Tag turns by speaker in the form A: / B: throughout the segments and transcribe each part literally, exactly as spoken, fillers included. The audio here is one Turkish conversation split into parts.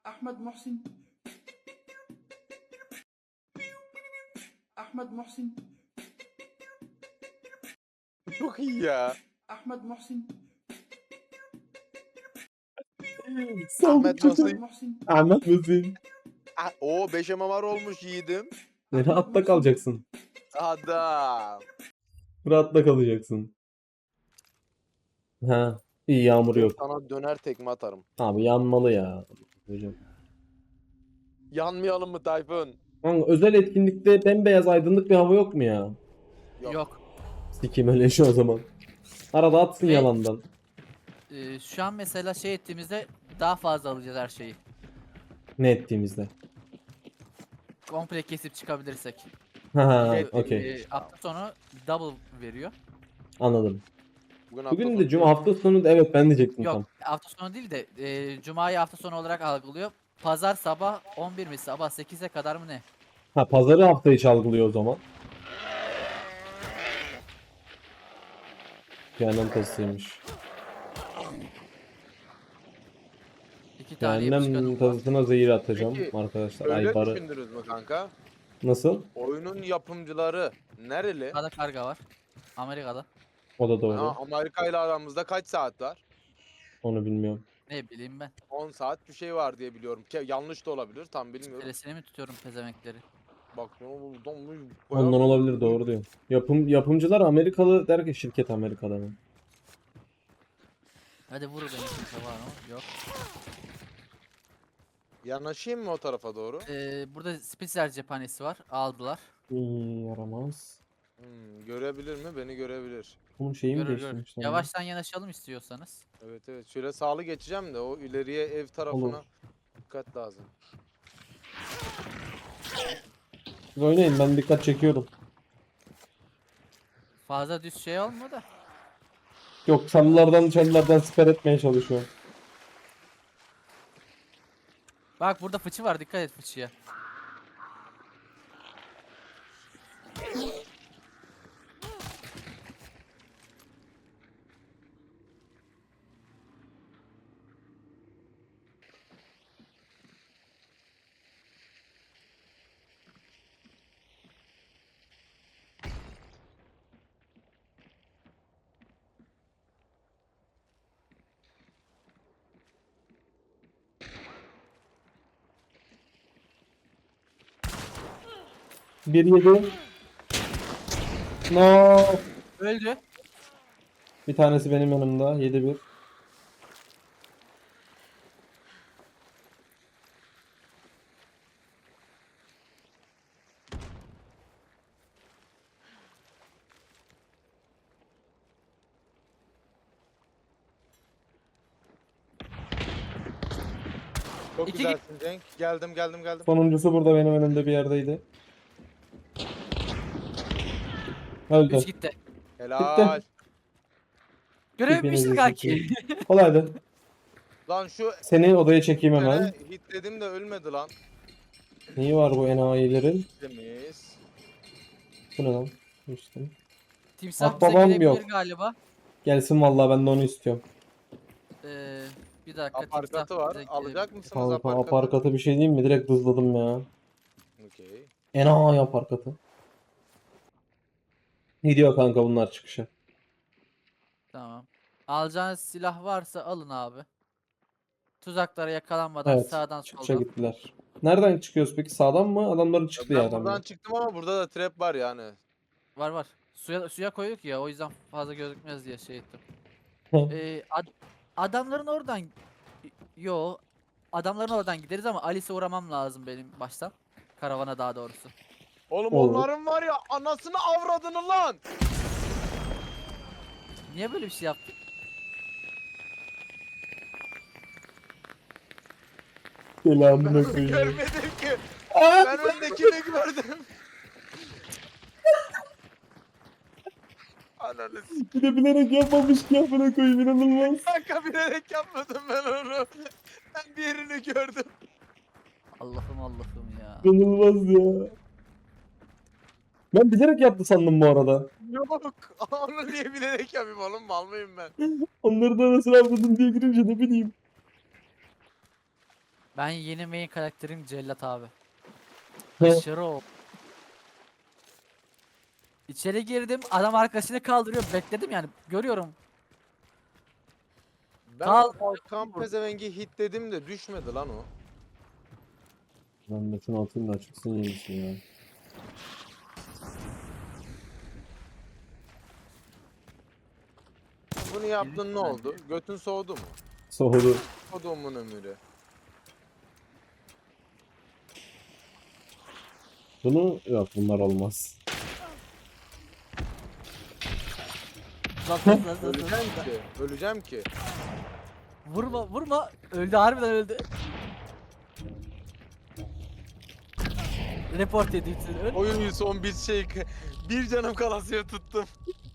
A: Ahmet Muhsin. Ahmet Muhsin.
B: Çok iyi ya.
A: Ahmet Muhsin.
B: Ahmet
C: Saldık
B: Muhsin.
A: Muhsin.
C: Ahmet Muhsin.
B: Ah, o beş emamar olmuş yiğidim.
C: Rahatta kalacaksın.
B: Adam.
C: Rahatta kalacaksın. Ha, iyi yağmur
B: Dur
C: yok.
B: sana döner tekme atarım.
C: Abi yanmalı ya. Hocam.
B: Yanmayalım mı Tayfun?
C: Kanka, özel etkinlikte bembeyaz aydınlık bir hava yok mu ya?
B: Yok.
D: Yok.
C: Sikim öyle şu o zaman. Arada atsın
D: Ve-
C: yalandan.
D: Ee, şu an mesela şey ettiğimizde daha fazla alacağız her şeyi.
C: Ne ettiğimizde.
D: Komple kesip çıkabilirsek.
C: Ha,
B: Şey,
C: okey.
D: Ee, hafta sonu double veriyor.
C: Anladım.
B: Bugün,
C: Bugün
B: hafta
C: de
B: sonu
C: cuma
B: değil.
C: hafta sonu da evet ben diyecektim tam.
D: Yok hafta sonu değil de e, cumayı hafta sonu olarak algılıyor. Pazar sabah on bir mi sabah sekize kadar mı ne?
C: Ha, pazarı hafta içi algılıyor o zaman. Cehennem tazısıymış.
D: İki tane yapışkanım
C: Cehennem
D: var.
C: tazısına zehir atacağım
B: Peki,
C: arkadaşlar.
B: Öyle
C: Aybarı.
B: düşündünüz mü kanka?
C: Nasıl?
B: Oyunun yapımcıları nereli?
D: Arkada karga var. Amerika'da.
C: O da
B: Ha,
C: doğru.
B: Amerika ile aramızda kaç saat var?
C: Onu bilmiyorum.
D: Ne bileyim ben.
B: on saat bir şey var diye biliyorum. Ke yanlış da olabilir, tam bilmiyorum.
D: Telesini mi tutuyorum pezemekleri?
B: Bak bunu buldum.
C: Ondan olabilir, doğru diyor. Yapım yapımcılar Amerikalı der ki şirket Amerika'da mı?
D: Hadi vur beni kimse var mı? Yok.
B: Yanaşayım mı o tarafa doğru?
D: Ee, burada Spitzer cephanesi var. Aldılar.
C: İyi, yaramaz.
B: Hmm, görebilir mi? Beni görebilir.
C: Bunun şeyi mi
D: Görür görür.
C: değiştirmişler? ya?
D: Yavaştan yanaşalım istiyorsanız.
B: Evet evet. Şöyle sağlı geçeceğim de o ileriye ev tarafına
C: Olur.
B: dikkat lazım.
C: Siz oynayın, ben dikkat çekiyorum.
D: Fazla düz şey olma da.
C: Yok, çalılardan çalılardan siper etmeye çalışıyorum.
D: Bak burada fıçı var, dikkat et fıçıya.
C: Bir yedi. No.
D: Öldü.
C: Bir tanesi benim yanımda. Yedi bir.
B: Çok
D: İki-
B: güzelsin Cenk. Geldim geldim geldim.
C: Sonuncusu burada benim önümde bir yerdeydi. Öldü.
D: Üç gitti.
B: Helal.
D: Görev
C: Hepinizi
D: bitmişti kanki.
C: Kolaydı.
B: Lan şu
C: Seni odaya çekeyim hemen.
B: tane hit dedim de ölmedi lan.
C: Neyi var bu enayilerin?
B: Temiz.
C: Bu ne lan? Düştüm.
D: Timsah
C: Ah,
D: bize
C: babam
D: gelebilir
C: yok.
D: galiba.
C: Gelsin vallahi, ben de onu istiyorum.
D: Ee, bir dakika.
B: Aparkatı
D: timsah
B: var.
D: bize
B: Alacak
D: gelebilir.
B: mısınız
C: Kanka
B: aparkatı?
C: aparkatı bir şey diyeyim mi? Direkt hızladım ya.
B: Okey.
C: Enayi aparkatı. Gidiyor kanka bunlar çıkışa.
D: Tamam. Alacağınız silah varsa alın abi. Tuzaklara yakalanmadan
C: Evet.
D: sağdan
C: Çıkışa
D: soldan.
C: gittiler. Nereden çıkıyoruz peki? Sağdan mı? Adamların
B: Ya
C: çıktığı
B: ben
C: yerden mi?
B: buradan çıktım ama burada da trap var yani.
D: Var var. Suya suya koyduk ya, o yüzden fazla gözükmez diye şey ettim. Ee, ad- adamların oradan yo adamların oradan gideriz ama Alice'e uğramam lazım benim baştan. Karavana daha doğrusu.
B: Oğlum
C: Olur.
B: onların var ya anasını avradını lan.
D: Niye böyle bir şey yaptın?
C: Selamına
B: Ben
C: koyayım.
B: görmedim ki. Ben öndekini gördüm. Ananı s***.
C: Bir de bilerek yapmamış ki, amına koyayım, inanılmaz.
B: Kanka bilerek yapmadım ben onu. Ben diğerini gördüm.
D: Allah'ım Allah'ım ya.
C: İnanılmaz ya. Ben bilerek yaptı sandım bu arada.
B: Yok. Onu niye bilerek yapayım oğlum, mal mıyım ben?
C: Onları da nasıl avladın diye girince ne bileyim.
D: Ben yeni main karakterim Cellat abi.
C: Hı.
D: Aşırı o. İçeri girdim, adam arkasını kaldırıyor, bekledim yani, görüyorum.
B: Ben
D: Kal-
B: Kalkan pezevengi hit dedim de düşmedi lan o.
C: Ben de şunu atayım da çıksın yenisi ya.
B: Bunu yaptın ne
D: Bence.
B: oldu? Götün soğudu mu?
C: Soğudu.
B: Kodumun ömürü.
C: Bunu yok, bunlar olmaz.
D: Zat, zat, zat, zat,
B: Öleceğim
D: zat.
B: ki. Öleceğim ki.
D: Vurma vurma, öldü, harbiden öldü. Report edilsin. Öl.
B: Oyun son bir şey. Bir canım kalasıya tuttum.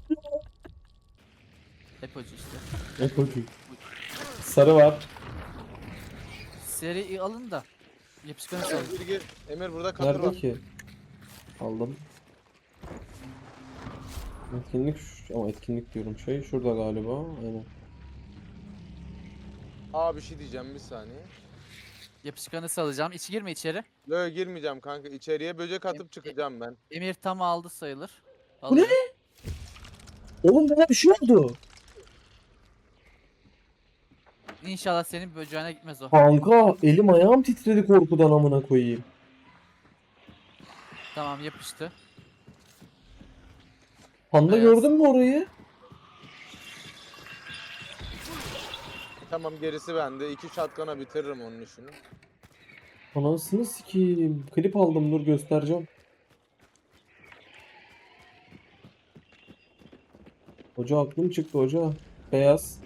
D: Depocu işte.
C: Epocuk. Sarı var.
D: Seri alın da. Yapışkanı salın.
B: Gir gir. Emir burada katır
C: Nerede
B: var.
C: ki? Aldım. Etkinlik şu- ama etkinlik diyorum, şey şurada galiba. Aynen.
B: Aa bir şey diyeceğim bir saniye.
D: Yapışkanı salacağım. İçi girme içeri.
B: Yo girmeyeceğim kanka. İçeriye böcek atıp çıkacağım ben.
D: Emir tam aldı sayılır.
C: Bu ne?
D: Alıyor.
C: Oğlum bana bir şey oldu.
D: İnşallah senin böceğine gitmez o.
C: Kanka elim ayağım titredi korkudan, amına koyayım.
D: Tamam, yapıştı.
C: Panda
D: Beyaz.
C: gördün mü orayı?
B: Tamam gerisi bende. İki şatkana bitiririm onun işini.
C: Anasını sikeyim. Klip aldım, dur göstereceğim. Hoca aklım çıktı hoca. Beyaz.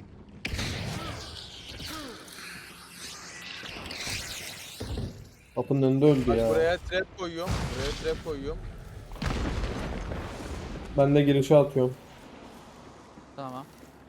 C: Kapının önünde öldü
B: Bak
C: ya.
B: buraya trap koyuyorum. Buraya trap koyuyorum.
C: Ben de girişe atıyorum.
D: Tamam.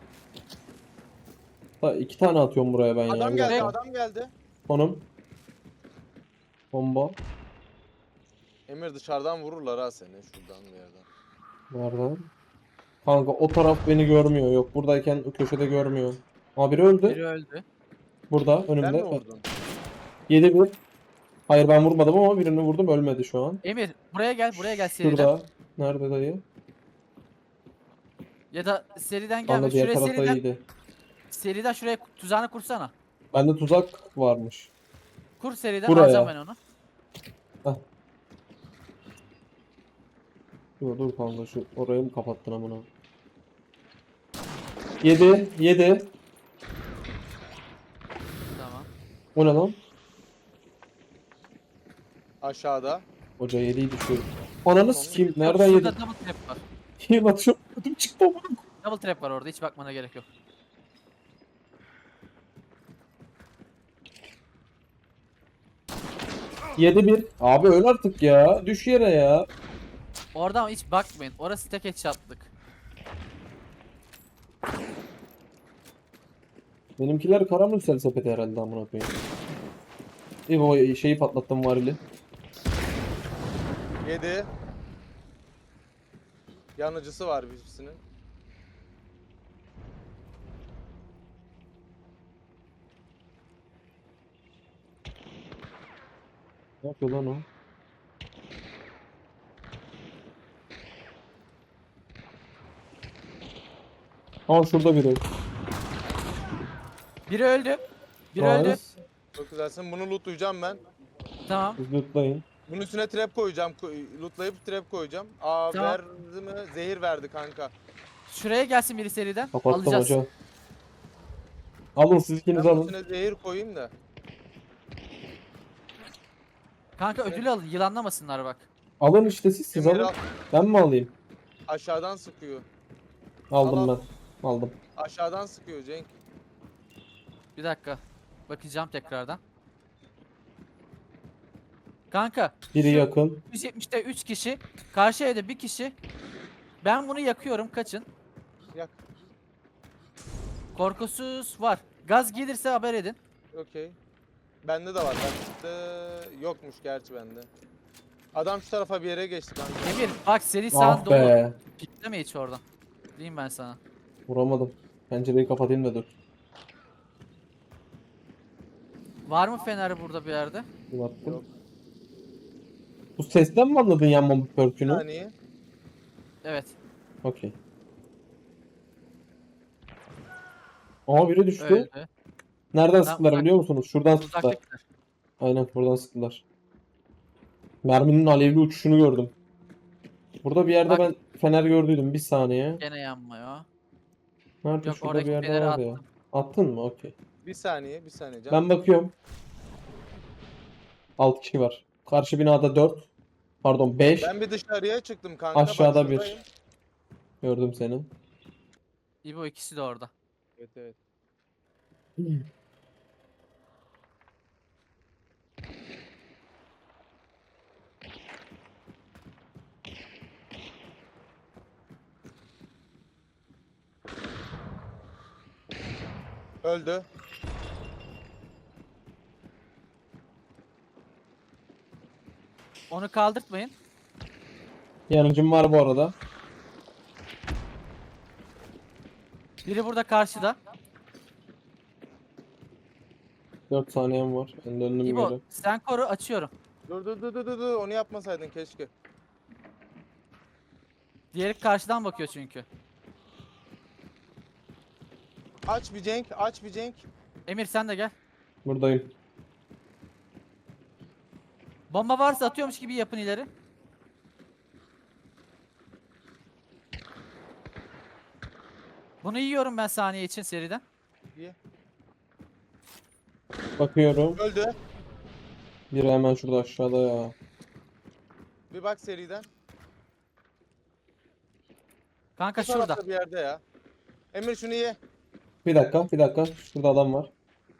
C: Ha, iki tane atıyorum buraya ben ya.
B: Adam
C: Bir
B: geldi,
C: dakika.
B: adam geldi.
C: Konum. Bomba.
B: Emir dışarıdan vururlar ha seni şuradan bir yerden.
C: Nerede? Kanka o taraf beni görmüyor. Yok, buradayken o köşede görmüyor. Aa, biri öldü.
D: Biri öldü.
C: Burada
B: Sen mi
C: önümde.
B: vurdun?
C: Yedi bir. Hayır, ben vurmadım ama birini vurdum, ölmedi şu an.
D: Emir buraya gel, buraya gel seriden.
C: Şurada. Nerede dayı?
D: Ya da seriden
C: Valla
D: gelme.
C: diğer
D: Şuraya
C: tarafta
D: seriden,
C: iyiydi.
D: seriden şuraya tuzağını kursana.
C: Bende tuzak varmış.
D: Kur seriden,
C: Buraya.
D: alacağım ben onu.
C: Dur dur kanka, şu orayı mı kapattın amına? Yedi. Yedi.
D: Tamam.
C: O ne lan?
B: Aşağıda.
C: Hoca yediydi şu. Ananı sikeyim. Nereden
D: Şurada
C: yedin?
D: double trap var.
C: Heal atıyorum. Ödüm çıktı amına.
D: Double trap var orada, hiç bakmana gerek yok.
C: Yedi bir. Abi öl artık ya. Düş yere ya.
D: Oradan hiç bakmayın. Orası tek headshot'lık.
C: Benimkiler karamürsel sepeti herhalde amına koyayım. İyi o şeyi patlattım varili.
B: Yedi. Yanıcısı var birisinin.
C: Ne yapıyor lan o? Aa, şurada biri.
D: Biri öldü. Biri öldü.
C: Nice.
B: Çok güzelsin. Bunu lootlayacağım ben.
D: Tamam.
C: Siz lootlayın.
B: Bunun üstüne trap koyacağım. Ko- Lootlayıp trap koyacağım. Aa
D: Tamam.
B: verdi mi? Zehir verdi kanka.
D: Şuraya gelsin biri seriden.
C: Kapattım
D: Alacağız.
C: hoca. Alın, siz
B: Ben
C: ikiniz
B: bunun
C: alın.
B: üstüne zehir koyayım da.
D: Kanka ödülü alın. Yılanlamasınlar bak.
C: Alın işte, siz siz
B: Emir
C: alın.
B: al.
C: Ben mi alayım?
B: Aşağıdan sıkıyor.
C: Aldım
B: Al, al.
C: ben. Aldım.
B: Aşağıdan sıkıyor Cenk.
D: Bir dakika. Bakacağım tekrardan. Kanka.
C: Biri
D: şu
C: yakın.
D: yüz yetmişte üç kişi. Karşı evde bir kişi. Ben bunu yakıyorum. Kaçın.
B: Yak.
D: Korkusuz var. Gaz gelirse haber edin.
B: Okey. Bende de var. Bende yokmuş gerçi bende. Adam şu tarafa bir yere geçti kanka.
D: Emir bak seri sağın
C: Ah
D: dolu.
C: be.
D: Pikleme hiç oradan. Diyeyim ben sana.
C: Vuramadım. Pencereyi kapatayım da dur.
D: Var mı fener burada bir yerde?
C: Bir baktım.
B: Yok.
C: Bu sesten mi anladın yanma
B: Bir
C: pörkünü?
B: saniye.
D: Evet.
C: Okey. Aa biri düştü.
D: Öldü.
C: Nereden
D: Lan
C: sıktılar
D: uzak-
C: biliyor musunuz? Şuradan sıktılar.
D: Uzaktakiler.
C: Aynen buradan sıktılar. Merminin alevli uçuşunu gördüm. Burada bir yerde
D: Bak-
C: ben fener gördüydüm. Bir saniye.
D: Gene yanmıyor.
C: Nerede?
D: Yok,
C: Şurada
D: oradaki
C: bir yerde
D: feneri
C: var ya.
D: attım.
C: Attın mı? Okey.
B: Bir saniye. Bir saniye can.
C: Ben bakıyorum. altı kişi var. Karşı binada dört. Pardon beş.
B: Ben bir dışarıya çıktım kanka. Bak
C: Aşağıda bir.
B: şuradayım.
C: Gördüm seni.
D: İbo ikisi de orada.
B: Evet evet. Öldü.
D: Onu kaldırtmayın.
C: Yanıcım var bu arada.
D: Biri burada karşıda.
C: dört saniyem var. Ben döndüm
D: İbo
C: geri.
D: sen koru, açıyorum.
B: Dur dur dur dur dur dur. Onu yapmasaydın keşke.
D: Diğeri karşıdan bakıyor çünkü.
B: Aç bir Cenk. Aç bir Cenk.
D: Emir sen de gel.
C: Buradayım.
D: Bomba varsa atıyormuş gibi yapın ileri. Bunu yiyorum ben saniye için seriden.
B: İyi.
C: Bakıyorum.
B: Öldü.
C: Biri hemen şurada aşağıda ya.
B: Bir bak seriden.
D: Kanka
B: Bu tarafta
D: şurada.
B: bir yerde ya. Emir şunu ye.
C: Bir dakika, bir dakika. Şurada adam var.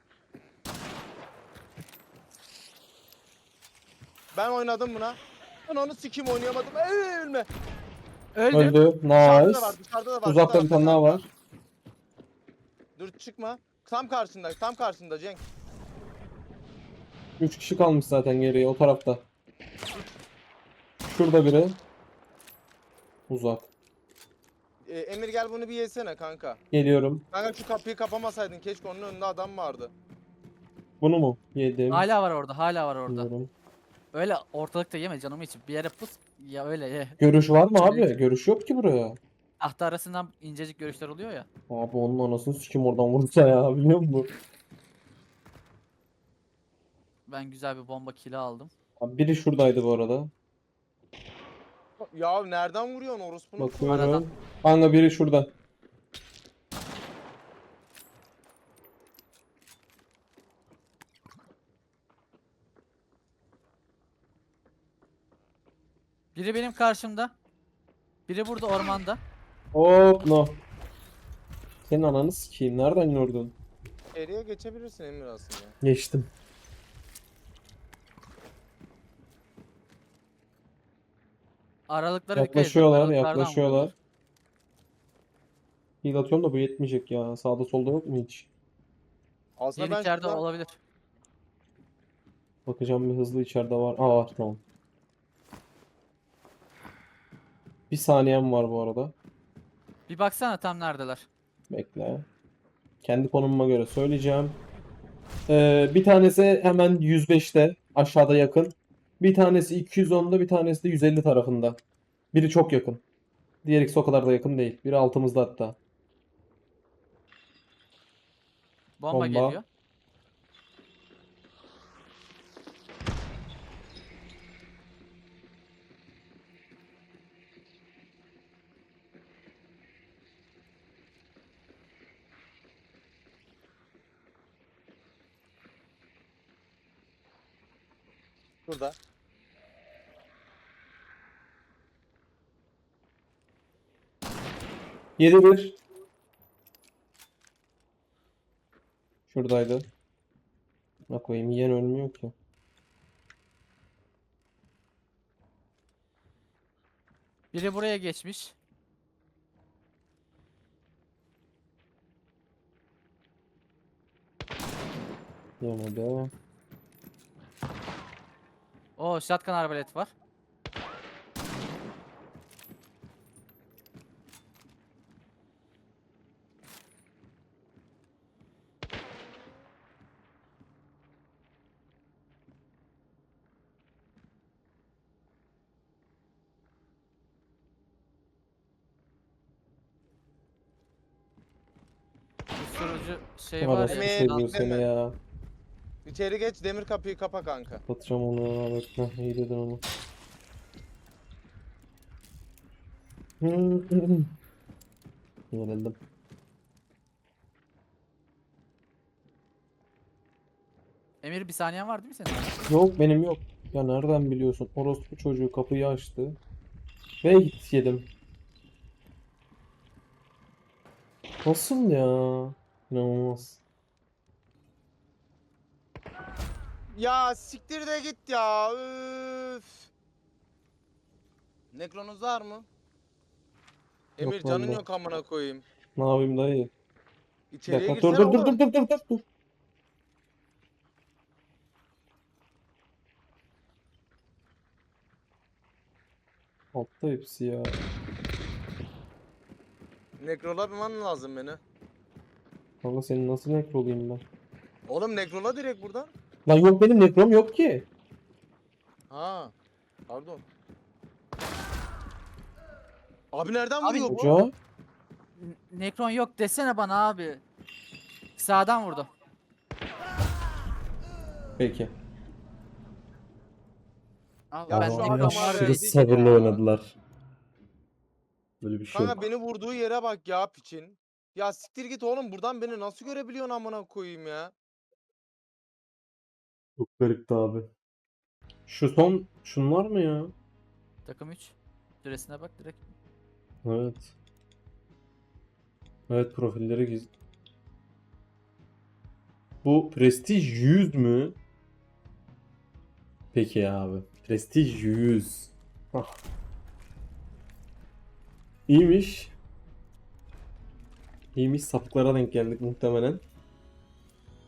B: Ben oynadım buna. Ben onu sikim oynayamadım. Ey, ölme.
D: Öldü.
C: Öldü.
B: Dışarıda
C: Nice.
B: da var, dışarıda da var.
C: Uzakta
B: bu
C: bir tane
B: tarafta.
C: daha var.
B: Dur çıkma. Tam karşında, tam karşında Cenk.
C: Üç kişi kalmış zaten geriye o tarafta. Şurada biri. Uzak.
B: Ee, Emir gel bunu bir yesene kanka.
C: Geliyorum.
B: Kanka şu kapıyı kapamasaydın keşke, onun önünde adam vardı.
C: Bunu mu? Yedim.
D: Hala var orada, hala var orada.
C: Bilmiyorum.
D: Öyle ortalıkta yeme canım için. Bir yere pus ya, öyle ye.
C: Görüş var mı
D: Şöyle-
C: abi? Görüş yok ki buraya.
D: Tahta arasından incecik görüşler oluyor ya.
C: Abi onun anasını sikim oradan vursa ya biliyor musun?
D: Ben güzel bir bomba kili aldım.
C: Abi biri şuradaydı bu arada.
B: Ya nereden vuruyorsun orospunun?
C: Bakıyorum.
D: Aradan.
C: Kanka biri şurada.
D: Biri benim karşımda. Biri burada ormanda.
C: Hop no. Senin ananı sikeyim. Nereden gördün?
B: Geriye geçebilirsin Emir aslında.
C: Geçtim.
D: Aralıklara dikkat edin.
C: Yaklaşıyorlar,
D: Aralıklardan
C: yaklaşıyorlar.
D: vuruyorlar.
C: Heal atıyorum da bu yetmeyecek ya. Sağda solda yok mu hiç?
B: Aslında
D: Diğer
B: ben
D: içeride
B: şuradan-
D: olabilir.
C: Bakacağım bir hızlı içeride var. Aa var tamam. Bir saniyem var bu arada.
D: Bir baksana tam neredeler.
C: Bekle. Kendi konumuma göre söyleyeceğim. Ee, bir tanesi hemen yüz beşte aşağıda yakın. Bir tanesi iki yüz onda, bir tanesi de yüz elli tarafında. Biri çok yakın. Diğer ikisi o kadar da yakın değil. Biri altımızda hatta.
D: Bomba,
C: Bomba.
D: geliyor.
B: Burada.
C: yedi bir. Şuradaydı. Ne koyayım yiyen ölmüyor ki.
D: Biri buraya geçmiş.
C: Yemedi.
D: Oo, shotgun arbalet var. susturucu şey
C: Var
D: var
C: ya
D: ya.
B: Emir,
C: seviyor
B: değil
C: seni
B: mi?
C: ya.
B: İçeri geç, demir kapıyı kapa kanka.
C: Batacağım onu. Evet, heh, iyi dedin onu. Yenildim.
D: Emir bir saniyen var değil mi senin?
C: Yok benim yok. Ya nereden biliyorsun? Orospu çocuğu kapıyı açtı. Ve hit yedim. Nasıl ya? İnanılmaz.
B: Ya siktir de git ya. Üf. Nekronuz var mı? Emir
C: Yok
B: canın
C: vallahi.
B: yok amına koyayım.
C: Ne yapayım dayı? Bir
B: İçeriye
C: dakika. Dur
B: girsene
C: dur dur dur
B: oğlum.
C: dur dur dur dur. Altta hepsi ya.
B: Nekrolaman lazım beni.
C: Kanka senin nasıl nekro olayım ben?
B: Oğlum nekrola direkt buradan.
C: Lan yok benim nekrom yok ki.
B: Ha. Pardon. Abi nereden
D: Abi-
B: vuruyor bu?
C: Hoca.
D: N- Nekron yok desene bana abi. Sağdan vurdu.
C: Peki.
D: Abi
B: Ya
D: ben
B: şu
D: Nekron
B: adam
D: var
B: abi
D: ya.
C: Aşırı
B: değil
C: sabırlı
B: ya.
C: oynadılar. Böyle bir şey
B: Kanka
C: yok.
B: beni vurduğu yere bak ya piçin. Ya siktir git oğlum, buradan beni nasıl görebiliyorsun amına koyayım ya.
C: Çok garipti abi. Şu son şunlar mı ya?
D: Takım üç. Süresine bak direkt.
C: Evet. Evet profilleri giz. Bu Prestige yüz mü? Peki abi. Prestige yüz. Ah. İyiymiş. İyiymiş. Sapıklara denk geldik muhtemelen.